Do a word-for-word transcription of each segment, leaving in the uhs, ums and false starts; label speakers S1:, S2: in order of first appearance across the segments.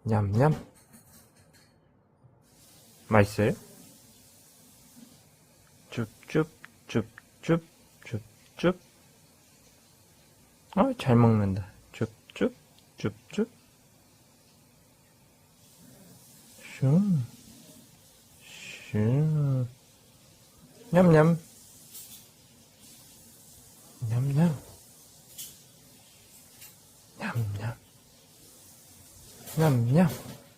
S1: 냠냠. 맛있어요? 줍줍, 줍줍, 줍줍. 아, 잘 먹는다. 줍줍, 줍줍. 슝, 슝. 냠냠. 냠냠. 냠냠. 냠냠.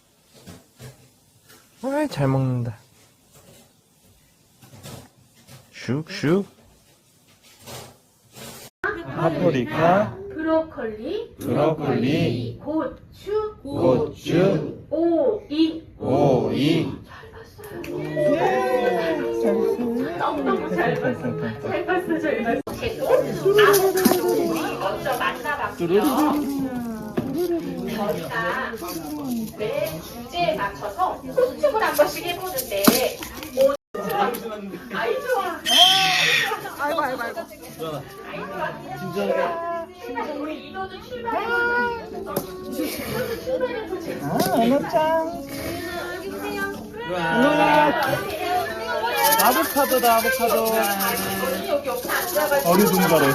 S1: 아, 잘 먹는다. 슉슉. 파프리카,
S2: 브로콜리,
S1: 브로콜리,
S2: 고추,
S1: 고추,
S2: 오이.
S1: 오이.
S2: 잘 봤어요. 너무너무 잘 봤어. 잘 봤어, 잘 봤어. 아보카도를 먼저 만나봤고요. 저희가 매 주제에 맞춰서 소축을 한 번씩 해보는데 오늘 아이 좋아.
S3: 아이고 아이고 아이고.
S2: 아이 좋아. 출발. 우리 이도도 출발해보자. 이도도 출발해보자.
S3: 아, 언어짱. 우와. 아보카도다, 아보카도.
S2: 여기 옆에 앉아가지고
S3: 어리둥절해.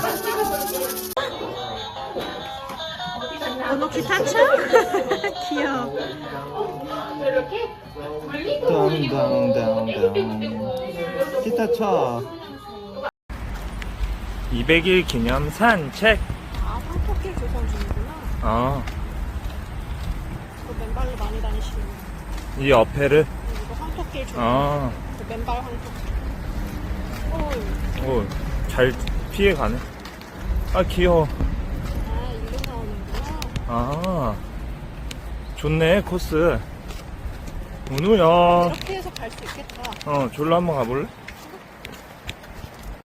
S2: 언어
S4: 기타 쳐? 귀여워.
S2: 이렇게 물리고 물리고
S3: 다운다운다운. 기타 쳐.
S1: 이백 일 기념 산책.
S4: 아, 황토길 조성 중이구나.
S1: 어,
S4: 저 맨발로 많이 다니시는
S1: 이 어패를.
S4: 이거 황토길 조성.
S1: 어,
S4: 그 맨발 황토길. 오,
S1: 오, 잘 피해가네. 아, 귀여워.
S4: 아, 일로 나오는구나.
S1: 아, 좋네, 코스. 은우야.
S4: 이렇게 해서 갈 수 있겠다.
S1: 어, 졸라 한번 가볼래?